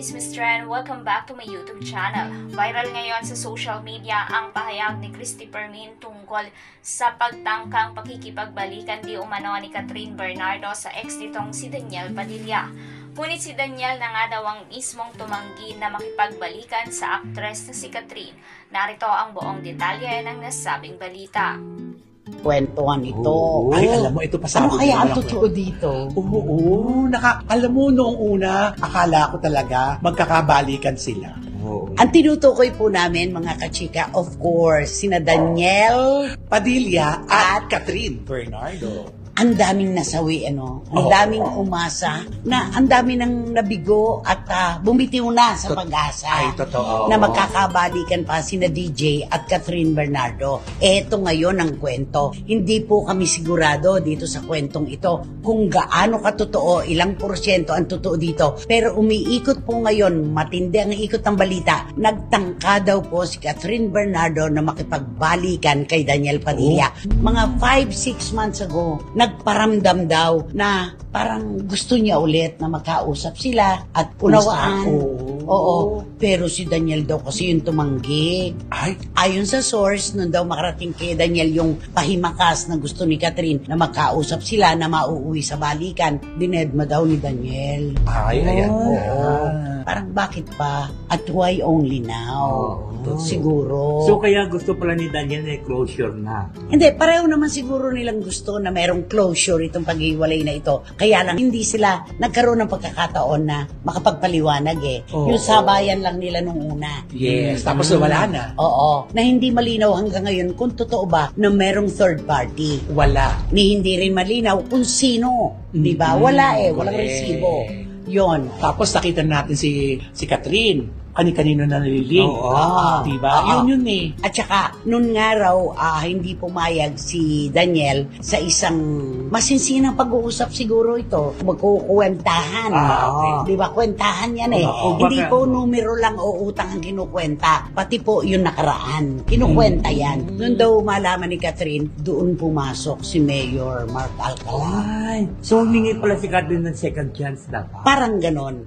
Chismis Trend, welcome back to my YouTube channel. Viral ngayon sa social media ang pahayag ni Christopher Min tungkol sa pagtangkang pakikipagbalikan di umano ni Catherine Bernardo sa ex nitong si Daniel Padilla. Ngunit si Daniel na nga daw ang mismong tumanggi na makipagbalikan sa aktres na si Catherine. Narito ang buong detalye ng nasabing balita. Kwentuhan ito. Oo. Ay, alam mo, ito pasabi. Ano kaya ang totoo dito? Oo. Alam mo, noong una, akala ko talaga magkakabalikan sila. Oo. Ang tinutukoy po namin, mga kachika, of course, sina Daniel. Padilla at Catherine Bernardo. Ang daming nasawi, ano? Ang Oo. daming umasa na ang dami nang nabigo at bumitiw na sa pag-asa. Ay, totoo. Na magkakabalikan pa sina DJ at Catherine Bernardo. Eto ngayon ang kwento. Hindi po kami sigurado dito sa kwentong ito kung gaano katotoo, ilang porsyento ang totoo dito. Pero umiikot po ngayon, matindi ang ikot ng balita. Nagtangka daw po si Catherine Bernardo na makipagbalikan kay Daniel Padilla. Mga 5-6 months ago, nagparamdam daw na parang gusto niya ulit na magkausap sila at unawaan. Oo. Pero si Daniel daw kasi yung tumanggi. Ay, Ayon sa source, nun daw makarating kay Daniel yung pahimakas na gusto ni Catherine na magkausap sila na mauuwi sa balikan. Dinedma daw ni Daniel. ayan. Oo. Parang bakit pa? At why only now? Siguro. So kaya gusto pala ni Daniel na closure na. Hindi, pareho naman siguro nilang gusto na merong closure itong paghiwalay na ito. Kaya lang hindi sila nagkaroon ng pagkakataon na makapagpaliwanag Yung sabayan lang nila nung una. Yes, tapos wala na. Oo. Na hindi malinaw hanggang ngayon kung totoo ba na merong third party. Wala. Ni hindi rin malinaw kung sino. Di ba? Wala walang Correct. resibo. Yon. Tapos nakita natin si Catherine. Kani-kanino na naliling. Oo. Diba? Oo. Yun eh. At saka, noon nga raw, hindi pumayag si Daniel sa isang masinsinang pag-uusap siguro ito. Magkukwentahan. Okay. Di ba? Kwentahan yan Oo. Hindi Baka- po numero lang o utang ang kinukwenta. Pati po yung nakaraan. Kinukwenta yan. Noon daw malaman ni Catherine, doon pumasok si Mayor Mark Alcala. Ay, so humingi pala si Catherine ng second chance dapat. Parang ganon.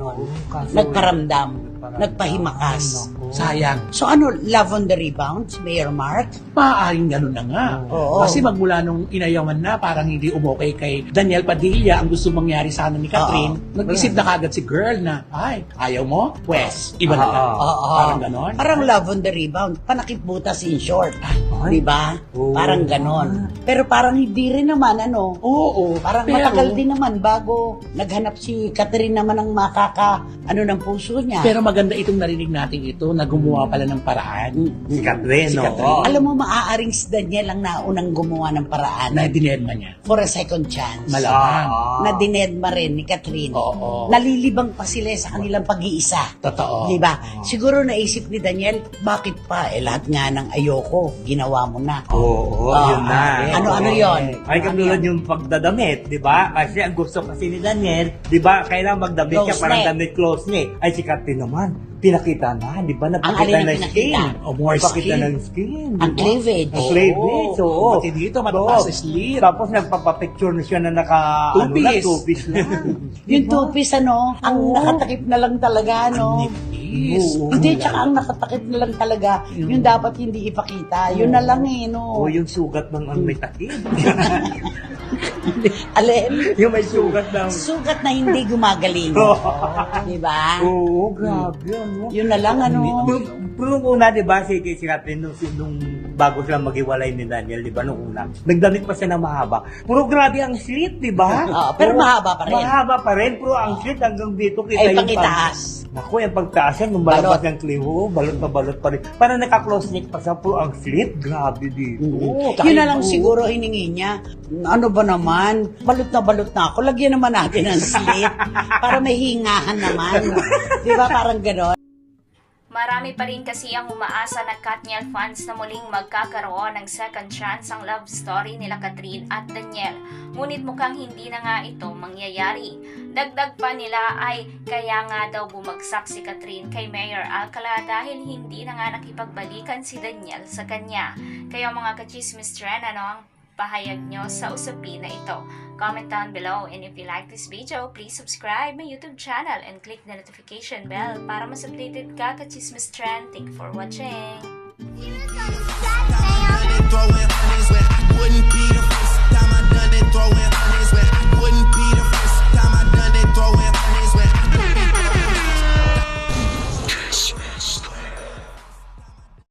Kaso- Nagparamdam. Nagpahimakas. Sayang. So ano, love on the rebound, Mayor Mark? Maaaring ganun na nga. Oo. Kasi magmula nung inayawan na, parang hindi umokay kay Daniel Padilla ang gusto mangyari sana ni Catherine. Nag-isip na kagad si girl na, ay, ayaw mo? Pwes, iba na lang. Oo. Parang ganon. Parang love on the rebound. Panakip butas in short. Ay. Di ba? Oo. Parang ganon. Pero parang hindi rin naman, ano? Oo. Parang pero, matagal din naman bago naghanap si Catherine naman ng ng puso niya. Pero maganda itong narinig natin ito na gumawa pala ng paraan. Si Catherine, Si no? Catherine. Alam mo, maaaring si Daniel ang naunang gumawa ng paraan Na dinedma niya. for a second chance. Malamang. Na dinedma rin ni Catherine. Oo. Nalilibang pa sila sa kanilang pag-iisa. Totoo. Di ba? Siguro naisip ni Daniel, bakit pa? Lahat nga ng ayoko, ginawa mo na. Oo, yun na. Ano yun? Ay, katulad yung pagdadamit, di ba? Kasi ang gusto kasi ni Daniel, di ba, kailangan magdamit Close siya, parang neck. damit close neck. Ay, si Catherine naman, pinakita na, di ba? alin Napakita ang ng skin. pinakita? O more Napakita skin. ng skin. Ang di ba? cleavage. Ang cleavage, oo. Pati dito, mataas Oo. sa slit. Tapos nagpapapicture na siya na naka, Two-piece. two-piece lang. Yung two-piece, ang nakatakip na lang talaga, no? Nipis. Oo. Hindi, tsaka ang nakatakip na lang talaga, yung dapat hindi ipakita. Yun na lang no? Oo, yung sugat ng ang may takip. Alin? Yung may sugat ng... Sugat na hindi gumagaling. Di ba? Oo, grabe, ano? Yun na lang, Pero nung una, di ba, si Catherine, nung bago sila maghiwalay ni Daniel, di ba, nung una, nagdamit pa siya na mahaba. Pero grabe ang slit, di ba? Oo, pero mahaba pa rin. Mahaba pa rin, pero ang slit hanggang dito kita Ay, yung pangitaas. Naku, yung pagtaas yan, nung malabas ng kliho, balot na balot pa rin. Parang naka-close neck pa siya, pero ang slit, grabe dito. Yun na lang siguro hiningi niya. Ano ba naman? Balot na ako. Lagyan naman natin ng slit para may hingahan naman. Di ba? Parang gano'n. Marami pa rin kasi ang umaasa na Katniel fans na muling magkakaroon ng second chance ang love story nila Catherine at Daniel. Ngunit mukhang hindi na nga ito mangyayari. Dagdag pa nila ay kaya nga daw bumagsak si Catherine kay Mayor Alcala dahil hindi na nga nakipagbalikan si Daniel sa kanya. Kaya mga kachismis trend, ano ang pahayag nyo sa usapin na ito. Comment down below, and if you like this video, please subscribe my YouTube channel and click the notification bell para mas updated ka ka-Chismis Trend. Thank you for watching! Throwing honeys when I wouldn't be the first time I done it. Throwing honeys.